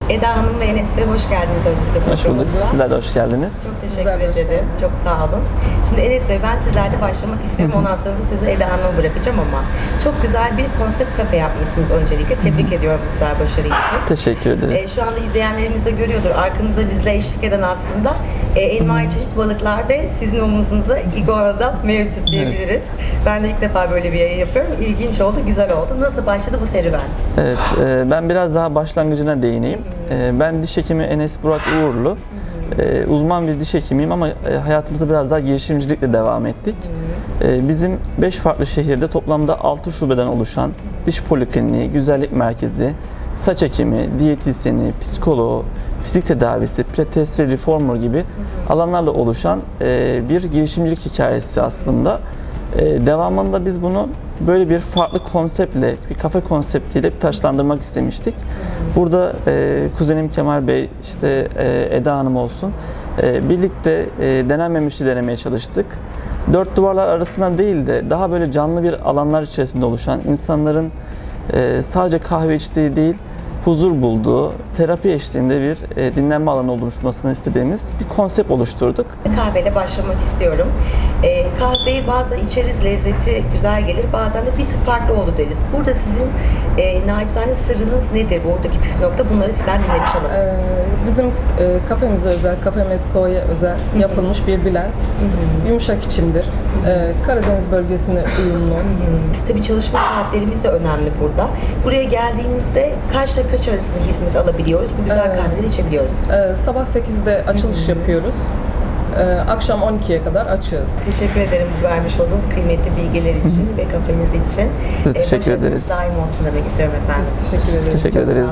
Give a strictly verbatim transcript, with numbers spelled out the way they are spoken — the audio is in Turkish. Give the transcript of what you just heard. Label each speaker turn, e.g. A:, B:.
A: Eda Hanım ve Enes Bey hoş geldiniz öncelikle.
B: Hoş bulduk. Sizler de hoş geldiniz.
A: Çok teşekkür
C: Sizler de hoş
A: ederim. Çok sağ olun. Şimdi Enes Bey, ben sizlerle başlamak istiyorum. Ondan sonra da sözü Eda Hanım'a bırakacağım ama çok güzel bir konsept kafe yapmışsınız öncelikle. Tebrik ediyorum bu güzel başarı için.
B: Teşekkür ederiz.
A: Ee, şu anda izleyenlerimiz de görüyordur. Arkamızda bizle eşlik eden aslında e, envai çeşit balıklar ve sizin omuzunuza iguana'da mevcut diyebiliriz. Ben de ilk defa böyle bir yayın yapıyorum. İlginç oldu, güzel oldu. Nasıl başladı bu serüven?
B: Evet, e, ben biraz daha başlangıcına değineyim. E, ben diş hekimi Enes Burak Uğurlu. E, uzman bir diş hekimiyim ama e, hayatımıza biraz daha girişimcilikle devam ettik. E, bizim beş farklı şehirde toplamda altı şubeden oluşan diş polikliniği, güzellik merkezi, saç ekimi, diyetisyeni, psikoloğu, fizik tedavisi, pilates ve reformer gibi alanlarla oluşan e, bir girişimcilik hikayesi aslında. E, devamında biz bunu böyle bir farklı konseptle, bir kafe konseptiyle bir taşlandırmak istemiştik. Burada e, kuzenim Kemal Bey, işte e, Eda Hanım olsun, e, birlikte e, denenmemişi denemeye çalıştık. Dört duvarlar arasında değil de daha böyle canlı bir alanlar içerisinde oluşan, insanların e, sadece kahve içtiği değil, huzur bulduğu, terapi eşliğinde bir e, dinlenme alanı oluşmasını istediğimiz bir konsept oluşturduk.
A: Kahveyle başlamak istiyorum. Ee, kahveyi bazen içeriz, lezzeti güzel gelir, bazen de bir tık farklı oldu deriz. Burada sizin e, nacizane sırrınız nedir? Buradaki püf nokta, bunları sizden dinlemiş olalım.
C: Ee, bizim e, kafemize özel, Cafe Medco'ya özel yapılmış bir blend. Yumuşak içimdir. Ee, Karadeniz bölgesine uyumlu.
A: Tabii çalışma saatlerimiz de önemli burada. Buraya geldiğimizde kaçla kaç arasında hizmet alabiliyoruz? Bu güzel
C: Evet.
A: kahveleri içebiliyoruz.
C: Ee, sabah sekizde açılış yapıyoruz. Ee, akşam on ikiye kadar açığız.
A: Teşekkür ederim bu vermiş olduğunuz kıymetli bilgiler için ve kafeniz için.
B: Biz teşekkür
A: başarınız
B: ederiz.
A: daim olsun demek istiyorum efendim.
C: Biz teşekkür ederiz.
B: Teşekkür ederiz.